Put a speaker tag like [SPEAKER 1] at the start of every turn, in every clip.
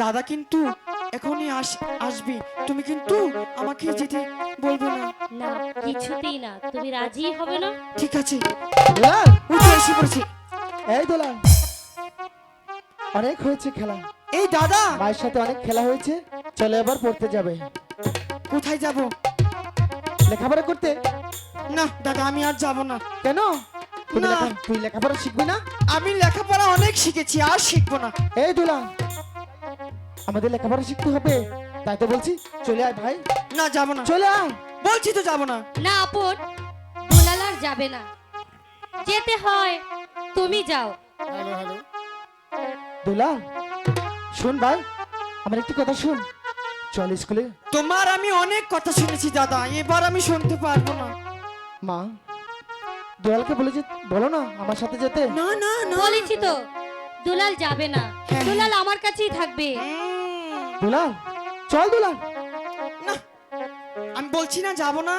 [SPEAKER 1] দাদা কিন্তু এখনই আসবে, তুমি কিন্তু আমাকে যেতে বলবে না।
[SPEAKER 2] না, কিছুতেই না। তুমি রাজি হবে না?
[SPEAKER 1] ঠিক আছে,
[SPEAKER 3] দুলাল,
[SPEAKER 1] উঠে এসে পড়েছি।
[SPEAKER 3] এই দুলাল, অনেক হয়েছে খেলা।
[SPEAKER 1] এই দাদা,
[SPEAKER 3] মায়ের সাথে অনেক খেলা হয়েছে, চলে এবার পড়তে যাবে।
[SPEAKER 1] কোথায় যাব?
[SPEAKER 3] লেখাপড়া করতে।
[SPEAKER 1] না দাদা, আমি আর যাব না।
[SPEAKER 3] কেন?
[SPEAKER 1] না।
[SPEAKER 3] তুই লেখাপড়া শিখবি না?
[SPEAKER 1] আমি লেখাপড়া অনেক শিখেছি, আর শিখবো না।
[SPEAKER 3] এই দুলাল, আমাদের লেখাপড়া শিখতে হবে, তাই তো বলছি চলে আয় ভাই।
[SPEAKER 1] না, যাব না,
[SPEAKER 3] চলে আয়
[SPEAKER 1] বলছি তো যাব না।
[SPEAKER 2] না আপন, দুলাল আর যাবে না। যেতে হয় তুমি যাও।
[SPEAKER 3] দুলাল, শোন ভাই, আমার একটি কথা শুন, চল স্কুলে।
[SPEAKER 1] তোমার আমি অনেক কথা শুনেছি দাদা, এবার আমি শুনতে পারবো না।
[SPEAKER 3] মা, দুলালকে বলো না আমার সাথে যেতে।
[SPEAKER 1] না না না,
[SPEAKER 2] বলেছি তো দুলাল যাবে না।
[SPEAKER 1] হ্যাঁ।
[SPEAKER 2] দুলাল আমার কাছেই থাকবে।
[SPEAKER 3] দুলাল, চল দুলাল।
[SPEAKER 1] না, আমি বলছি না যাব না।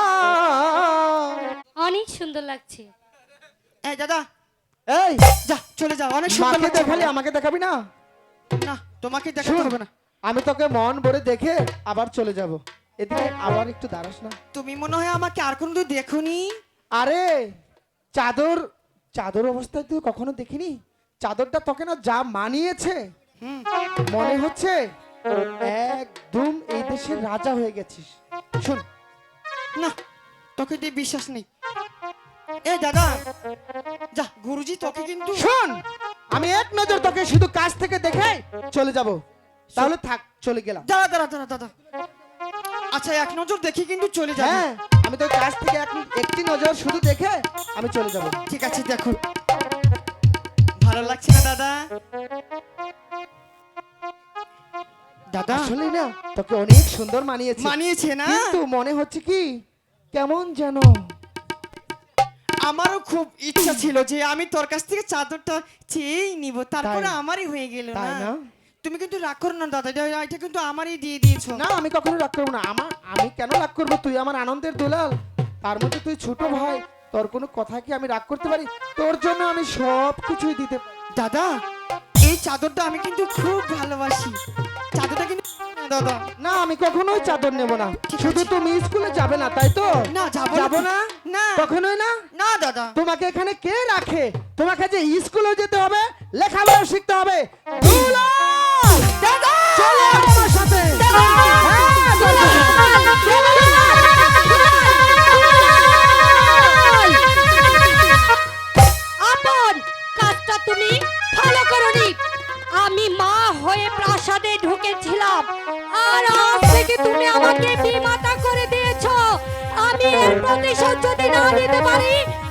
[SPEAKER 2] অনেক সুন্দর লাগছে।
[SPEAKER 1] এই দাদা,
[SPEAKER 3] এই,
[SPEAKER 1] যা চলে যাও, অনেক সুন্দর
[SPEAKER 3] মাকে
[SPEAKER 1] লাগছে।
[SPEAKER 3] দেখালি আমাকে দেখাবি না?
[SPEAKER 1] না, তোমাকে দেখাতে
[SPEAKER 3] শোন,
[SPEAKER 1] হবে না।
[SPEAKER 3] আমি তোকে মন ভরে দেখে আবার চলে যাব। এদিকে আবার একটু দাঁড়াস না।
[SPEAKER 1] তুমি মনে হয় আমাকে আর কোনোদিন দেখোনি।
[SPEAKER 3] আরে চাদর, চাদর অবস্থায় তুই কখনো দেখিনি? চাদরটা তোকে না যা মানিয়েছে,
[SPEAKER 1] হুম,
[SPEAKER 3] মনে হচ্ছে একদম এই দেশের রাজা হয়ে গেছিস। শুন,
[SPEAKER 1] না, তোকে দিয়ে বিশ্বাস নেই। এ দাদা, যা, গুরুজি তোকে কিন্তু।
[SPEAKER 3] শোন, আমি এক নজর তোকে শুধু কাছ থেকে দেখে চলে যাব। তাহলে থাক, চলে গেলাম।
[SPEAKER 1] দাঁড়া দাঁড়া দাঁড়া দাদা, আচ্ছা এক নজর দেখি কিন্তু চলে যাবে।
[SPEAKER 3] হ্যাঁ, আমি তো কাছ থেকে একটি নজর শুধু দেখে আমি চলে যাব।
[SPEAKER 1] ঠিক আছে, দেখো ভালো লাগছে না দাদা? দাদা
[SPEAKER 3] আসলে না, তোকে অনেক সুন্দর মানিয়েছে।
[SPEAKER 1] মানিয়েছে না?
[SPEAKER 3] কিন্তু মনে হচ্ছে কি কেমন যেন।
[SPEAKER 1] আমারও খুব ইচ্ছা ছিল যে আমি তোর কাছ থেকে চাদরটা চেয়েই নিব, তারপরে
[SPEAKER 3] তাই?
[SPEAKER 1] আমারই হয়ে গেল
[SPEAKER 3] তাই
[SPEAKER 1] না।
[SPEAKER 3] না?
[SPEAKER 1] তুমি কিন্তু রাগ করো না দাদা, এটা কিন্তু আমারই দিয়ে দিয়েছো।
[SPEAKER 3] না, আমি কখনো রাগ করবো না। আমি কেন রাগ করবো? তুই আমার আনন্দের দুলাল, তার মধ্যে তুই ছোট ভাই, তোর কোনো কথা কি আমি রাগ করতে পারি? তোর জন্য আমি সব কিছুই দিতে পারি।
[SPEAKER 1] দাদা, এই চাদরটা আমি কিন্তু খুব ভালোবাসি। চাদরটা কিন্তু দাদা।
[SPEAKER 3] না, আমি কখনোই চাদর নেব না।
[SPEAKER 1] ঠিক
[SPEAKER 3] শুধু
[SPEAKER 1] আছে।
[SPEAKER 3] তুমি স্কুলে যাবে না, তাই তো?
[SPEAKER 1] না, যাবো
[SPEAKER 3] যাবো
[SPEAKER 1] না।
[SPEAKER 3] না?
[SPEAKER 1] না।
[SPEAKER 3] কখনোই না?
[SPEAKER 1] না দাদা।
[SPEAKER 3] তোমাকে এখানে কে রাখে? তোমাকে যে স্কুলে যেতে হবে, লেখাপড়া শিখতে হবে। দুলাল!
[SPEAKER 1] দাদা!
[SPEAKER 3] চলো আমার সাথে। হ্যাঁ, দুলাল!
[SPEAKER 2] আপন, কাজটা তুমি ভালো করনি। আমি মা হয়ে প্রাসাদে ঢুকেছিলাম, আর আজ থেকে তুমি আমাকে বিমাতা করে দিয়েছো। আমি এর প্রতিশোধ যদি না নিতে পারি